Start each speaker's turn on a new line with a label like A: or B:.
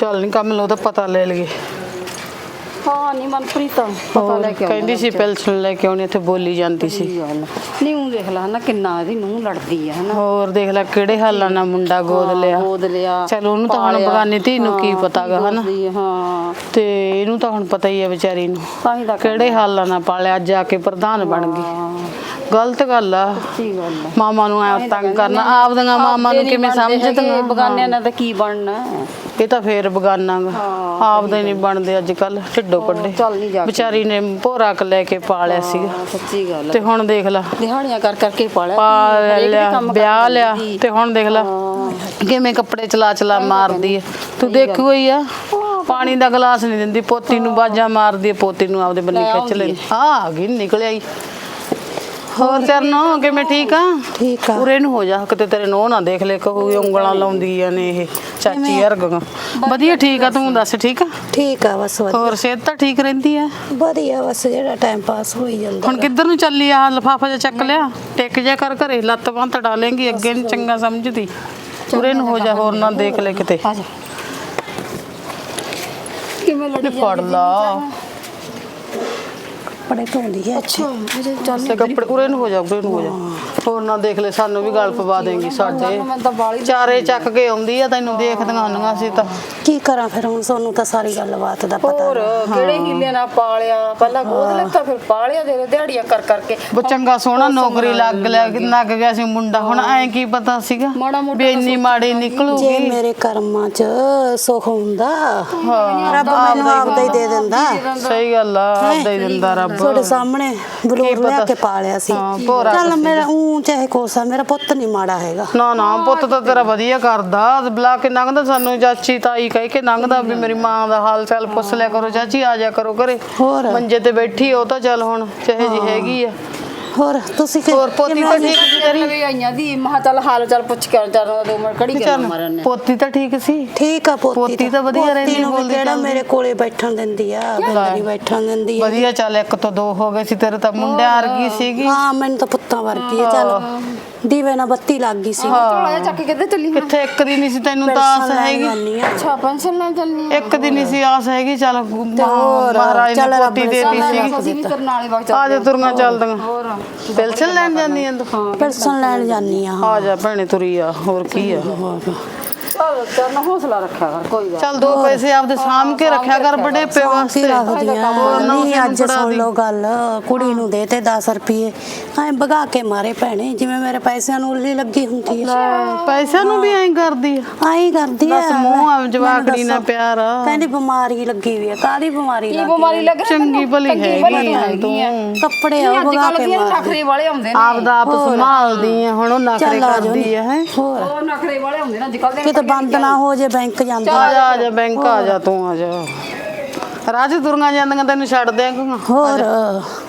A: ਚੱਲ ਨਹੀਂ ਕੰਮ ਲੋ ਤਾਂ ਪਤਾ ਲੈ ਲਈਏ।
B: ਹਾਂ ਨਹੀਂ ਮਨਪ੍ਰੀਤ ਪਤਾ ਲੈ ਕੇ
A: ਕਹਿੰਦੀ ਸੀ ਪੈਨਸ਼ਨ ਲੈ ਕੇ ਆਉਣੀ, ਇੱਥੇ ਬੋਲੀ ਜਾਂਦੀ ਸੀ।
B: ਨਹੀਂ ਉਹ ਦੇਖ ਲੈ ਹਨਾ ਕਿੰਨਾ ਇਹਦੀ ਨੂੰਹ ਲੜਦੀ ਆ ਹਨਾ।
A: ਹੋਰ ਦੇਖ ਲੈ ਕਿਹੜੇ ਹਾਲਾਂ ਨਾਲ ਮੁੰਡਾ ਗੋਦ ਲਿਆ। ਚਲ ਉਹਨੂੰ ਤਾਂ ਹੁਣ ਬਗਾਨੀ ਧੀ ਨੂੰ ਕੀ ਪਤਾਗਾ ਹਨਾ।
B: ਹਾਂ
A: ਤੇ ਇਹਨੂੰ ਤਾਂ ਹੁਣ ਪਤਾ ਹੀ ਆ ਵਿਚਾਰੀ ਨੂੰ ਕਿਹੜੇ ਹਾਲਾਂ ਨਾਲ ਪਾਲਿਆ, ਅੱਜ ਆ ਕੇ ਪ੍ਰਧਾਨ ਬਣ ਗਈ। ਗਲਤ ਗੱਲ ਆ ਮਾਮਾ ਨੂੰ ਐ ਤੰਗ ਕਰਨਾ, ਆਪਦੀਆਂ ਮਾਮਾ ਨੂੰ ਕਿਵੇਂ ਸਮਝਦੀਆਂ।
B: ਬਗਾਨਿਆਂ ਨਾਲ ਤਾਂ ਕੀ ਬਣਨਾ,
A: ਇਹ ਤਾਂ ਫੇਰ ਬਗਾਨਾ ਗਾ, ਆਪਦੇ ਨਹੀਂ ਬਣਦੇ ਅੱਜ ਕੱਲ। ਢਿੱਡੋਂ ਕੱਢੇ ਵਿਚਾਰੀ ਨੇ ਭੋਰਾ ਕ ਲੈ ਕੇ ਪਾਲਿਆ ਸੀਗਾ।
B: ਸੱਚੀ ਗੱਲ
A: ਤੇ ਹੁਣ ਦੇਖ ਲਾ
B: ਦਿਹਾੜੀਆਂ ਕਰ ਕਰਕੇ ਪਾਲਿਆ,
A: ਵਿਆਹ ਲਿਆ ਤੇ ਹੁਣ ਦੇਖ ਲਾ ਕਿਵੇਂ ਕੱਪੜੇ ਚਲਾ ਮਾਰਦੀ ਹੈ। ਤੂੰ ਦੇਖੀ ਹੋਈ ਆ, ਪਾਣੀ ਦਾ ਗਲਾਸ ਨਹੀਂ ਦਿੰਦੀ, ਪੋਤੀ ਨੂੰ ਬਾਜਾਂ ਮਾਰਦੀ ਹੈ, ਪੋਤੀ ਨੂੰ ਆਪਦੇ ਬੰਨੀ ਖਿੱਚ ਲੈਂਦੀ। ਆ ਗਈ ਨਿਕਲ ਆਈ। ਹੋਰ ਚਰਨੋ ਕਿਵੇਂ ਠੀਕ ਆ?
C: ਠੀਕ ਆ।
A: ਉਰੇ ਨੂੰ ਹੋ ਜਾ ਕਿਤੇ ਤੇਰੇ ਨੋਹ ਨਾ ਦੇਖ ਲੈ ਕਹੂਗੀ ਉਂਗਲਾਂ ਲਾਉਂਦੀਆਂ ਨੇ ਇਹ ਚਾਚੀ ਅਰਗ। ਵਧੀਆ ਠੀਕ ਆ, ਤੂੰ ਦੱਸ ਠੀਕ ਆ?
C: ਠੀਕ ਆ ਬਸ ਵਧੀਆ।
A: ਹੋਰ ਸਿਹਤ ਤਾਂ ਠੀਕ ਰਹਿੰਦੀ ਆ?
C: ਵਧੀਆ ਬਸ ਜਿਹੜਾ ਟਾਈਮ ਪਾਸ ਹੋਈ ਜਾਂਦਾ।
A: ਹੁਣ ਕਿੱਧਰ ਨੂੰ ਚੱਲੀ ਆ? ਲਿਫਾਫਾ ਜਿਹਾ ਚੱਕ ਲਿਆ, ਟਿਕ ਜਾ ਕਰ ਘਰੇ, ਲੱਤ ਬਾਂਹ ਤੜਾ ਲੇਂਗੀ, ਅੱਗੇ ਨੀ ਚੰਗਾ ਸਮਝਦੀ। ਉਰੇ ਨੂੰ ਹੋ ਜਾ, ਹੋਰ ਨਾ ਦੇਖ ਲੈ ਕਿਤੇ।
B: ਕਿਵੇਂ ਲੜੀ
A: ਫੜ ਲਾ
C: ਕੱਪੜੇ ਧੋਂਦੀ ਹੈ।
B: ਅੱਛਾ
A: ਕੱਪੜੇ ਉਰੇ ਨੂੰ ਹੋ ਜਾ, ਉਰੇ ਨੂੰ ਹੋ ਜਾ, ਹੋਰ ਨਾ ਦੇਖ ਲੈ ਸਾਨੂੰ ਵੀ ਗਲ ਪਵਾ ਦੇਂਗੀ। ਸਾਡੇ ਚਾਰੇ ਚੱਕ ਕੇ ਆਉਂਦੀ ਆ, ਤੈਨੂੰ ਦੇਖਦੀਆਂ ਹੁੰਦੀਆਂ ਸੀ ਤਾਂ
C: ਕੀ ਕਰਾਂ ਫਿਰ ਹੁਣ, ਤੁਹਾਨੂੰ ਤਾਂ ਸਾਰੀ ਗੱਲਬਾਤ ਦਾ ਪਤਾ।
B: ਹੋਰ ਕਿਹੜੇ ਹੀਲੇ ਨਾਲ ਪਾਲਿਆ, ਪਹਿਲਾਂ ਗੋਦ ਲੈਤਾ ਫਿਰ ਪਾਲਿਆ, ਦੇ ਦਿਹਾੜੀਆਂ ਕਰ ਕਰਕੇ
A: ਉਹ ਚੰਗਾ ਸੋਹਣਾ ਨੌਕਰੀ ਲੱਗ ਗਿਆ ਸੀ ਮੁੰਡਾ। ਹੁਣ ਐ ਕੀ ਪਤਾ ਸੀਗਾ ਵੀ ਇੰਨੀ ਮਾੜੀ ਨਿਕਲੂਗੀ।
C: ਜੇ ਮੇਰੇ ਕਰਮਾਂ 'ਚ ਸੁੱਖ ਹੁੰਦਾ ਰੱਬ ਮੈਨੂੰ ਆਪਦਾ ਹੀ ਦੇ ਦਿੰਦਾ।
A: ਸਹੀ ਗੱਲ ਆ, ਆਪਦਾ ਹੀ ਦਿੰਦਾ ਰੱਬ।
C: ਤੁਹਾਡੇ ਸਾਹਮਣੇ ਬਲੂਰ ਲਿਆ ਕੇ ਪਾਲਿਆ ਸੀ। ਚੱਲ ਮੇਰਾ ਚਾਹੇ ਕੋਸਾ, ਮੇਰਾ ਪੁੱਤ ਨਹੀਂ ਮਾੜਾ ਹੈਗਾ।
A: ਨਾ ਪੁੱਤ ਤਾਂ ਤੇਰਾ ਵਧੀਆ ਕਰਦਾ, ਬੁਲਾ ਕੇ ਲੰਘਦਾ ਸਾਨੂੰ ਚਾਚੀ ਤਾਈ ਕਹਿ ਕੇ ਲੰਘਦਾ ਵੀ ਮੇਰੀ ਮਾਂ ਦਾ ਹਾਲ ਚਾਲ ਪੁੱਛ ਲਿਆ ਕਰੋ, ਚਾਚੀ ਆ ਜਾ ਕਰੋ ਘਰੇ। ਮੰਜੇ ਤੇ ਬੈਠੀ ਉਹ ਤਾਂ ਚੱਲ ਹੁਣ ਜਿਹੇ ਜੀ ਹੈਗੀ ਆ।
C: ਹੋਰ ਤੁਸੀਂ
A: ਹੋਰ ਪੋਤੀ ਤਾਂ ਠੀਕ ਸੀ ਤੇਰੀ?
B: ਵੀ ਆਈਆਂ ਦੀ ਮਹਾ ਚੱਲ ਹਾਲ ਚਾਲ ਪੁੱਛ ਕੇ ਚੱਲ 2 ਮਿੰਟ ਕੜੀ ਕੇ ਮਾਰਨ ਨੇ।
A: ਪੋਤੀ ਤਾਂ ਠੀਕ ਸੀ?
C: ਠੀਕ ਆ
A: ਪੋਤੀ ਤਾਂ ਵਧੀਆ ਰਹਿੰਦੀ, ਬੋਲਦੀ
C: ਕਿਹੜਾ ਮੇਰੇ ਕੋਲੇ ਬੈਠਣ ਦਿੰਦੀ ਆ, ਨਹੀਂ ਬੈਠਣ ਦਿੰਦੀ ਆ।
A: ਵਧੀਆ ਚੱਲ 1 ਤੋਂ 2 ਹੋ ਗਏ ਸੀ, ਤੇਰੇ ਤਾਂ ਮੁੰਡਿਆਂ ਵਰਗੀ ਸੀਗੀ।
C: ਹਾਂ ਮੈਨੂੰ ਤਾਂ ਪੁੱਤਾਂ ਵਰਗੀ ਆ। ਚੱਲ ਦੀਵੇ ਨਾਲ ਬੱਤੀ ਲੱਗ ਗਈ ਸੀ।
B: ਝੋਲਾ ਚੱਕ ਕੇ ਕਿੱਧਰ ਚੱਲੀ?
A: ਕਿੱਥੇ ਇੱਕ ਦੀ ਨਹੀਂ ਸੀ ਤੈਨੂੰ ਤਾਂ ਆਸ ਹੈਗੀ।
B: ਅੱਛਾ ਪੈਨਸ਼ਨ ਲੈਣ ਚੱਲਨੀ ਆ?
A: ਇੱਕ ਦੀ ਨਹੀਂ ਸੀ ਆਸ ਹੈਗੀ। ਚੱਲ ਮਹਾਰਾਜ ਨੇ ਪੋਤੀ ਦੇਤੀ ਸੀਗੀ। ਆ ਜਾ ਤੁਰੀਆਂ ਚੱਲਦੀਆਂ। ਪੈਨਸ਼ਨ ਲੈਣ ਜਾਂਦੀ ਆਂ ਤੂੰ?
C: ਪੈਨਸ਼ਨ ਲੈਣ ਜਾਂਦੀ ਆ
A: ਜਾ ਭੈਣੇ ਤੁਰੀ ਆ, ਹੋਰ ਕੀ ਆ।
B: ਚੱਲ ਹੌਸਲਾ ਰੱਖਿਆ ਕਰ, ਕੋਈ ਗੱਲ
A: ਚੱਲ 2 ਪੈਸੇ ਆਪਦੇ ਸਾਂਭ ਕੇ ਰੱਖਿਆ ਕਰ, ਬੜੇ ਪੇ ਵਾਸਤੇ
C: ਰੱਖਦੀਆਂ। ਨਹੀਂ ਅੱਜ ਸੁਣ ਲਓ ਗੱਲ, ਕੁੜੀ ਨੂੰ ਦੇ ਤੇ 10 ਰੁਪਏ ਐ ਭਗਾ ਕੇ ਮਾਰੇ ਭੈਣੇ, ਜਿਵੇਂ ਮੇਰੇ ਪੈਸਿਆਂ ਨੂੰ ਉੱਲੀ ਲੱਗੀ ਹੁੰਦੀ ਹੈ।
A: ਪੈਸਿਆਂ ਨੂੰ ਵੀ ਐਂ ਕਰਦੀ ਆ?
C: ਆਈ ਕਰਦੀ ਆ।
A: ਬਸ ਮੂੰਹ ਜਵਾਕੜੀ ਨਾਲ ਪਿਆਰ ਆ।
C: ਕਹਿੰਦੀ ਬਿਮਾਰੀ ਲੱਗੀ ਹੋਈ ਆ। ਕਾਹਦੀ ਬਿਮਾਰੀ
B: ਲੱਗ?
A: ਚੰਗੀ ਭਲੀ ਹੈਗੀ ਆ ਤੂੰ।
C: ਕੱਪੜੇ ਆ ਭਗਾ ਕੇ ਮਾਰਦੀ।
B: ਨਖਰੇ ਵਾਲੇ ਆਉਂਦੇ ਨੇ,
A: ਆਪਦਾ ਆਪ ਸੰਭਾਲਦੀ ਆ, ਹੁਣ ਉਹ ਨਖਰੇ ਕਰਦੀ ਆ। ਹੈ
B: ਹੋਰ ਨਖਰੇ ਵਾਲੇ ਆਉਂਦੇ ਨੇ ਅੱਜ ਕੱਲ ਦੇ।
C: ਕਿਤੇ ਬੰਦ ਨਾ ਹੋ ਜੇ ਬੈਂਕ ਜਾਂਦਾ।
A: ਆ ਜਾ ਬੈਂਕ ਆ ਜਾ, ਤੂੰ ਆ ਜਾ। ਰਾਜ ਦੁਰਗਾ ਜਾਂਦੀਆਂ ਤੈਨੂੰ ਛੱਡ ਦਿਆਂਗਾ।
C: ਹੋਰ